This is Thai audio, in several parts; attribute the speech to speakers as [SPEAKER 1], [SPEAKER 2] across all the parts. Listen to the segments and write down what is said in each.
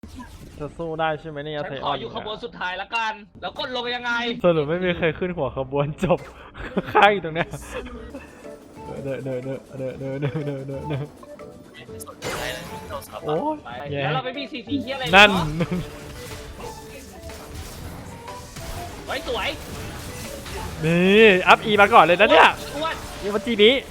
[SPEAKER 1] จะสู้ได้ใช่ไหมเนี่ย
[SPEAKER 2] ฉัน
[SPEAKER 1] ไท
[SPEAKER 2] ข
[SPEAKER 1] อ
[SPEAKER 2] อ
[SPEAKER 1] อน
[SPEAKER 2] อยู่ขบวนสุดท้ายละกัน แล้วกดลงยังไง
[SPEAKER 1] สรุปไม่มีใครขึ้นหัวขบวนจบ ข้างอยู่ตรงเนี้ยเด้อโอ้ยแย่
[SPEAKER 2] แล้วเราไม่มีซีซีเฮียอะไรเลย
[SPEAKER 1] นั่น
[SPEAKER 2] เนาะไว้สวย
[SPEAKER 1] นี่อัพอีมาก่อนเลยนะเนี่ย
[SPEAKER 2] อ้วน
[SPEAKER 1] นี่วันจีนี้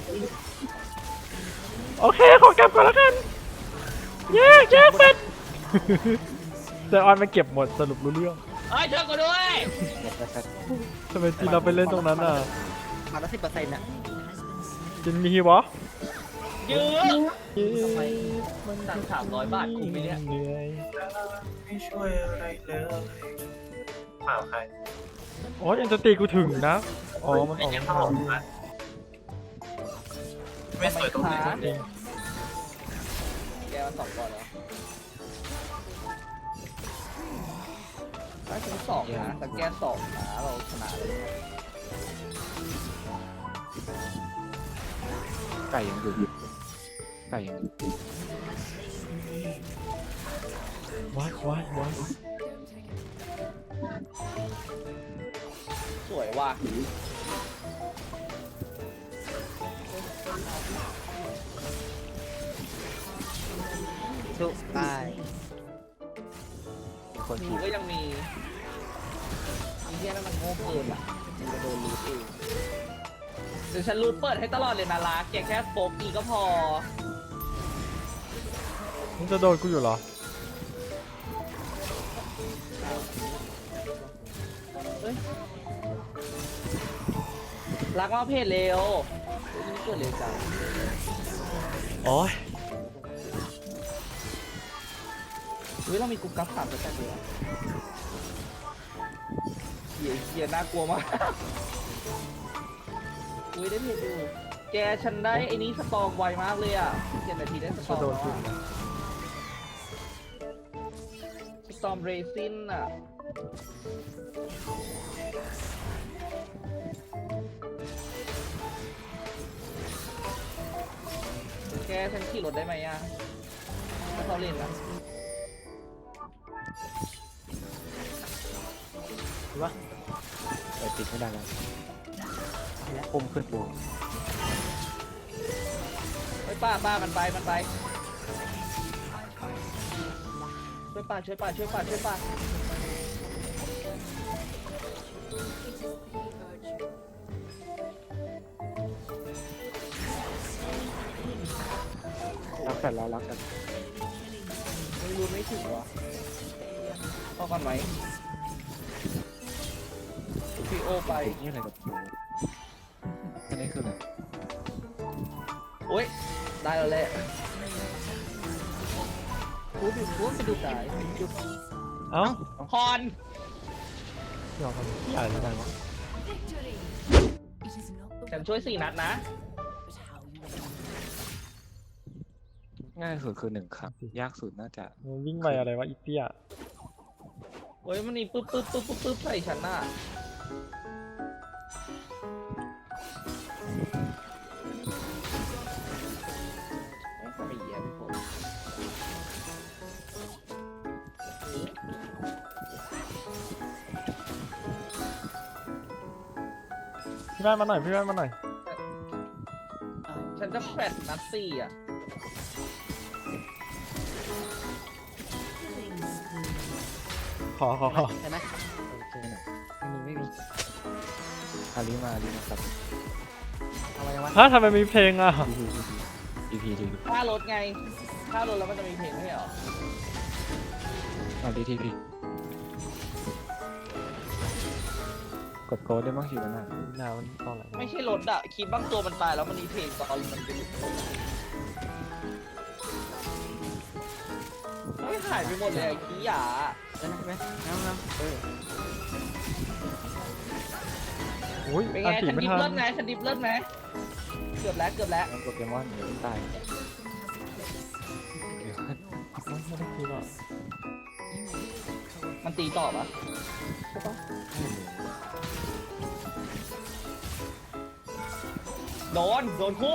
[SPEAKER 1] โอเคขอกลับก่อนแล้วกันแยกเป็ดแต่ออนมาเก็บหมดสรุปรู้เรื่อง
[SPEAKER 2] เฮ้ยเธอกูด้วย
[SPEAKER 1] ทำไมจีเราไปเล่นตรงนั้นอ่ะ
[SPEAKER 3] มาละ10%น่ะ
[SPEAKER 1] จินมีฮีวะ
[SPEAKER 2] เยอะสั่ง300 บาทคุ้มไหมเนี่ย
[SPEAKER 1] เหนื่อย
[SPEAKER 4] ไม่ช่วยอะไรเลยเปล่าใคร
[SPEAKER 1] โอ้ยยังจะตีกูถึงนะอ๋อมันออก
[SPEAKER 4] ยัง
[SPEAKER 1] มา
[SPEAKER 4] เปล่าไม่สวยตรงไหน
[SPEAKER 1] เอง
[SPEAKER 3] แกมัน2ก่อนแล้วถ้าฉัน2นะแต่แก2นะเราชนะเลย
[SPEAKER 5] ไก่ยังอยู่ไก่ยังอยู่
[SPEAKER 1] ว้าย
[SPEAKER 3] สวยว่ะ
[SPEAKER 5] ชุบตายคน
[SPEAKER 3] ดู
[SPEAKER 5] ผิด
[SPEAKER 3] ก็ยังมีอีเหี้ยนั่นมันโง่เกินอ่ะมันจะโดนรูดเองเดี๋ยวฉันรูดเปิดให้ตลอดเลยนะรักแกแค่โป๊กอีก็พอ
[SPEAKER 1] มึงจะโดนกูอยู่เหรอ
[SPEAKER 3] รักมาเพจเร็วนี่เกิดเร็วจัง
[SPEAKER 1] โอ้ย
[SPEAKER 3] เฮ้ยเรามีกรุ๊ปกราฟ3ตัวแต่เดียวเหี้ยน่ากลัวมากอุ้ยได้เพจอยู่แกฉันได้ไอ้นี้สตอมไวมากเลยอ่ะ7 นาทีได้สตอ
[SPEAKER 1] จะ
[SPEAKER 3] ม
[SPEAKER 1] โดน
[SPEAKER 3] แล้ว
[SPEAKER 1] กู
[SPEAKER 3] อะ
[SPEAKER 1] นะ
[SPEAKER 3] สตอมเรซินอ่ะแกฉันขี่รถได้ไหมอ่ะถ้าเขาเล่นอ่ะ
[SPEAKER 5] แต่ติดไม่ได้แล้วพุ่มขึ้นบวก
[SPEAKER 3] เฮ้ยป้ามันไปช่วยป้า
[SPEAKER 5] รักกันแล้วรักกัน
[SPEAKER 3] ไม่รู้ไม่ถึงวะพอก่อนไหมพีโอไป
[SPEAKER 5] ติดนี่อะไรกับกูอันนี้คืออะไร
[SPEAKER 3] โอ๊ยได้แล้วแหละพูดไปดูสาย
[SPEAKER 1] เอ้า
[SPEAKER 2] คอน
[SPEAKER 1] เดี๋ยวกันใหญ่เลยนะ
[SPEAKER 2] ฉันช่วย4 นัดนะ
[SPEAKER 5] ง่ายสุดคือ1 ครั้งยากสุดน่าจะ
[SPEAKER 1] มึงวิ่งไปอะไรวะอีเตี้ย
[SPEAKER 3] โอ๊ยมันนี่ปึ๊บใส่ฉันน่ะไม่ทำไมเหี้ยพี่ผม
[SPEAKER 1] พี่แม่มาหน่อย
[SPEAKER 3] ฉันจะแฟดนัด4อ่ะ
[SPEAKER 1] ขอ
[SPEAKER 3] ใช่ไหม
[SPEAKER 5] โอเคหน่อยไม่มีอาลีมาครับ
[SPEAKER 3] อะไรวะ
[SPEAKER 1] ถ้าทำไมมีเพลงอ่ะ
[SPEAKER 5] ที
[SPEAKER 3] ค่ารถไงค่ารถแล้วมันจะมีเพลงไม่ใช่เหรอ
[SPEAKER 5] อาลีทีพีกดโค้ดได้บ้างคิวนะ
[SPEAKER 1] หนาวมันตอนไหน
[SPEAKER 3] ไม่ใช่รถอะคิดบ้างตัวมันตายแล้วมันมีเพลงตอนมันจะหลุดไม่หายไปหมดเลยอะขี้หยา
[SPEAKER 1] อุ้ย
[SPEAKER 3] เป็นไง
[SPEAKER 1] อันตี
[SPEAKER 3] ฉัน
[SPEAKER 1] ไม่
[SPEAKER 3] ดิฟ
[SPEAKER 1] ทั
[SPEAKER 3] เลิ
[SPEAKER 1] น
[SPEAKER 3] ศไงฉันดิฟเลิศไหมเกือบแล้ว
[SPEAKER 5] โปเกมอนเดี๋ยวตาย
[SPEAKER 1] ไม่ได้คิดหรอก
[SPEAKER 3] มันตีต่อปะใช่ปะโดนคู่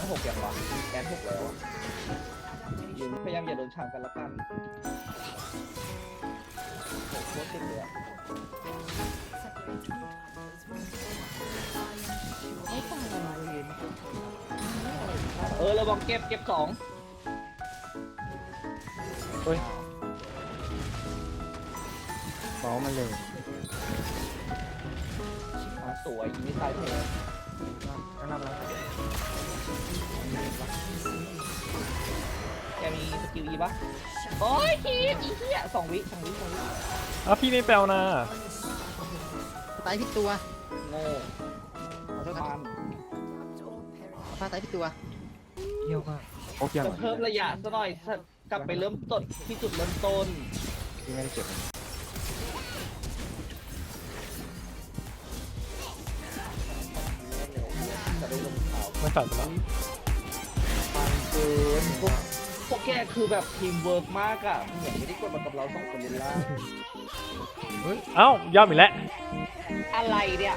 [SPEAKER 3] มัน6อย่างวะแกน6แล้วอะอยู่พยายามอย่าโดนฉากกันละกันโอ้โหโคตรติดเลยอะ
[SPEAKER 5] ไม่ต้องอะไรเลย
[SPEAKER 3] ระวังเก็บ2
[SPEAKER 5] เฮ้ยเมาส์มันเร็ว
[SPEAKER 3] สวยยิงไม่ตายเพล
[SPEAKER 5] ก็นับแล้ว
[SPEAKER 3] แกมีสกิลอีปะโอ้ยคีบอีเหี้ย2 วิ2 วิ
[SPEAKER 1] อ้าวพี่ไม่แปลวนะ
[SPEAKER 5] ตายผิดตัว
[SPEAKER 3] โง่
[SPEAKER 5] ขอโทษครับ
[SPEAKER 3] มัน
[SPEAKER 5] พาตายผิดตัวเยี่ยมมากโอ้ยยัง
[SPEAKER 3] จะเพิ่มระยะซะหน่อยกลับไปเริ่มต้นที่จุดเริ่มต้น
[SPEAKER 5] ที่ไม่ได้เก็บ
[SPEAKER 3] จะได้ลงข่าว
[SPEAKER 1] ไม่ใส่ไปแล้ว
[SPEAKER 3] มันเกินพวกแกคือแบบทีมเวิร์กมากอะเหมือนไม่ได้กดมากับเรา2 คนเลยล่ะ
[SPEAKER 1] เอ้าย่อมอีกแล้ว
[SPEAKER 3] อะไรเนี่ย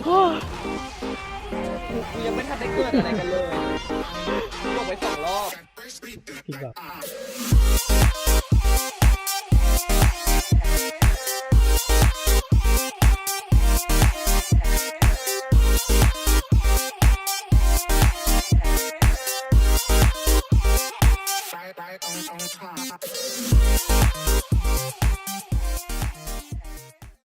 [SPEAKER 3] กูยังไม่ทันได้เกิดอะไรกันเลยกูบอกไป2 รอบ
[SPEAKER 1] จริงเหรอ